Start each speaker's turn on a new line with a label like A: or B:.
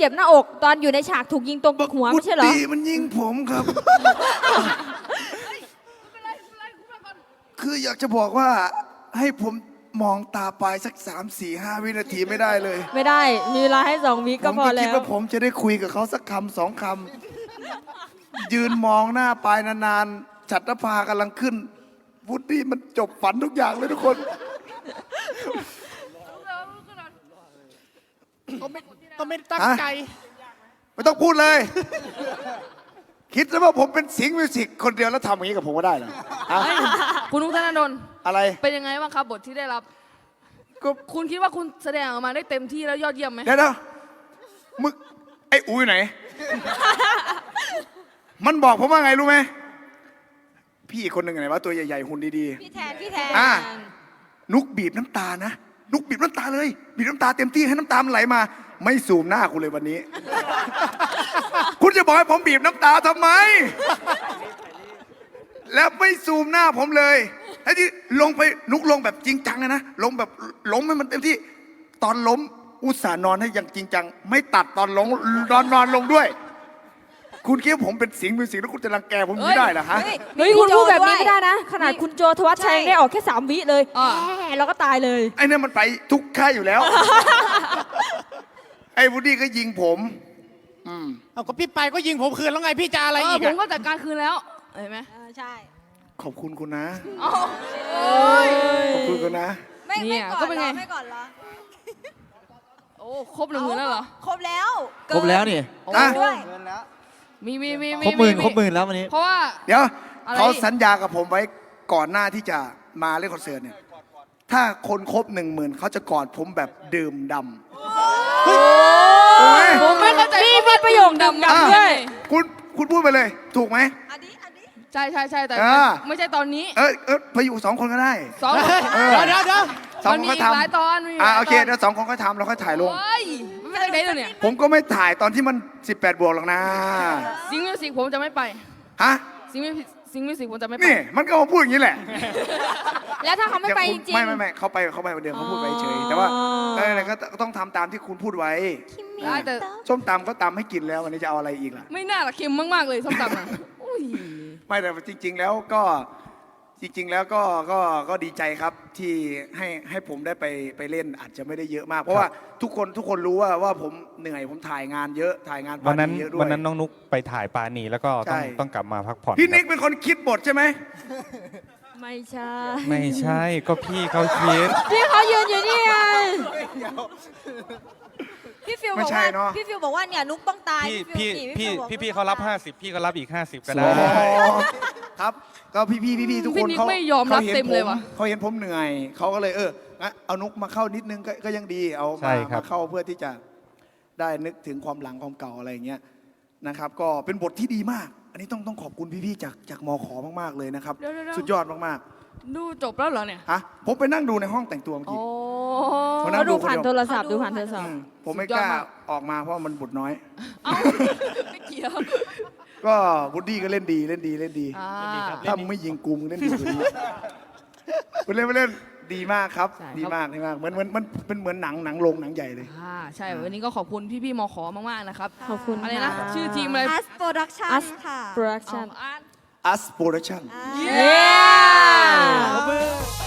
A: เจ็บหน้าอกตอนอยู่ในฉากถูกยิงตรงหัวไม่ใช่เหรอ
B: วุฒิมันยิงผมครับ คืออยากจะบอกว่าให้ผมมองตาปลายสัก3-4-5 วินาทีไม่ได้เลย
A: ไม่ได้มีเวลาให้2 วิก็พอ
B: ผมก็
A: แล้
B: คิด
A: ว
B: ว่าผมจะได้คุยกับเขาสักคำ2 คำยืนมองหน้าปลายนานๆฉัตรภากำลังขึ้นวุฒิมันจบฝันทุกอย่างเลยทุกคน
C: ก็ไม่ตั้งใจ
B: ไม่ต้องพูดเลย คิดแล้วว่าผมเป็นสิงห์มิวสิกคนเดียวแล้วทำอย่างนี้กับผมก็ได้เหรอ
D: คุณนุ๊กธนดล
B: อะไร
D: เป็นยังไงบ้างครับบทที่ได้รับ
B: ก็
D: คุณคิดว่าคุณแสดงออกมาได้เต็มที่แล้วยอดเยี่ยมไหม
B: เดี๋ยวมึงไอ้อุ้ยไหน มันบอกผมว่าไงรู้ไหมพี่อีกคนหนึ่งไหนวะตัวใหญ่ๆหุ่นดี
A: ๆพี่แทน
B: นุกบีบน้ำตานะนุกบีบน้ำตาเลยบีบน้ำตาเต็มที่ให้น้ำตามันไหลมาไม่ซูมหน้าคุณเลยวันนี้ คุณจะบอกให้ผมบีบน้ำตาทำไม แล้วไม่ซูมหน้าผมเลยไอ้ที่ลงไปนุกลงแบบจริงจังนะลงแบบล้มให้มันเต็มที่ตอนล้มอุตส่าห์นอนให้อย่างจริงจังไม่ตัดตอนล้มนอนลงด้วย คุณคิดว่าผมเป็นสิงห์มิวสิกแล้วคุณจะรังแกผมไม่ได้เหรอฮะ
A: เฮ้ยคุณพูดแบบนี้ไม่ได้นะขนาดคุณโจทวัชชัยได้ออกแค่3 วิเลยเราก็ตายเลย
B: ไอ้นี่มันไปทุกค่ายอยู่แล้ว ไอ้วูดดี้ก็ยิงผม
C: เอาก็พี่ไปก็ยิงผมคืนแล้วไงพี่จะอะไรอีก
D: ผมก็จัดการคืนแล้วเห็นไหม
A: ใช่
B: ขอบคุณคุณนะ
A: ข
B: อบคุณคุณนะ
D: เนี่ยก็เป็นไง
A: ไม่ก่อนเหรอ
D: โอ้ครบ1,000,000แล้วเหรอ
A: ครบแล้ว
E: ครบแล้วนี่
A: ด้วย
D: มี
E: ครบหมื่นแล้ววันนี้
D: เพราะว่า
B: เดี๋ยวเขาสัญญากับผมไว้ก่อนหน้าที่จะมาเล่นคอนเสิร์ตเนี่ยถ้าคนครบ10,000เขาจะกอดผมแบบดื่มดำ
D: ผมไม่เข้าใจ
A: มีประโยคดำด้วย
B: คุณพูดไปเลยถูกไหม
D: ใช่แต่ไม่ใช่ตอนนี้
B: ไปอยู่2 คนก็ได้
D: 2
C: เดี๋ยว
B: 2 คนก็ทำ
D: หลายตอน
B: โอเคเดี๋ยว2 คนก็ทำแล้วค่อยถ่ายลง
D: ไม่ได้เลยเนี่ย
B: ผมก็ไม่ถ่ายตอนที่มัน18 บวกหรอกนะ
D: ซิงมิวสิกผมจะไม่ไป
B: ฮะ
D: ซิงมิวสิกผมจะไม่ไป
B: นี่มันก็มาพูดอย่างนี้แหละ
A: แล้วถ้าเขาไม่ไปจริง
B: ไม่เขาไปวันเดียวเขาพูดไว้เฉยแต่ว่าอะไรก็ต้องทำตามที่คุณพูดไว้
D: แต่
B: ส้มตำก็ตำให้กินแล้ววันนี้จะเอาอะไรอีกล่ะ
D: ไม่น่าละเค็มมากๆเลยส้มตำนะ
B: ไม่แต่จริงๆแล้วก็ดีใจครับที่ให้ผมได้ไปเล่นอาจจะไม่ได้เยอะมากเพราะว่าทุกคนรู้ว่าผมเหนื่อยผมถ่ายงานเยอะถ่ายงาน
E: วันนั้นน้องนุ๊กไปถ่ายปาณีแล้วก็ต้องกลับมาพักผ่อน
B: พี่นิกเป็นคนคิดบทใช่ไหม
A: ไม่ใ
E: ช่ก็พี่เขาคิด
A: พี่เขายืนอยู่นี่ไงพี่ฟิวบอกว่าเนี่ยนุ๊กต้องตาย
E: พี่เขารับ50พี่ก็รับอีก50ก็ได้
B: ครับก็พี่ทุกคน
D: เขาไม่ยอมรับเต็มเลยวะ
B: เขาเห็นผมเหนื่อยเขาก็เลยเอานุ๊กมาเข้านิดนึงก็ยังดีเอามาเข้าเพื่อที่จะได้นึกถึงความหลังความเก่าอะไรอย่างเงี้ยนะครับก็เป็นบทที่ดีมากอันนี้ต้องขอบคุณพี่ๆจากมข.มากๆเลยนะครับสุดยอดมาก
D: ๆดูจบแล้วเหรอเนี่ย
B: ฮะผมไปนั่งดูในห้องแต่งตัวเมื่อกี้
A: เขาดูผ่านโทรศัพท์
B: ผมไม่กล้าออกมาเพราะมันบทน้อย
D: ไม่เกี่ยว
B: ก็วูดดี้ก็เล่นดีถ้ามึงไม่ยิงกูมึงเล่นดีกว่านี้คุณเล่นดีมากครับดีมากเหมือนมันเป็นเหมือนหนังโรงหนังใหญ่เลย
D: ใช่วันนี้ก็ขอบคุณพี่มข.มากๆนะครับ
A: ขอบคุณ
D: อะไรนะชื่อทีมอะไร
F: Us Production ค่ะ
B: Us Production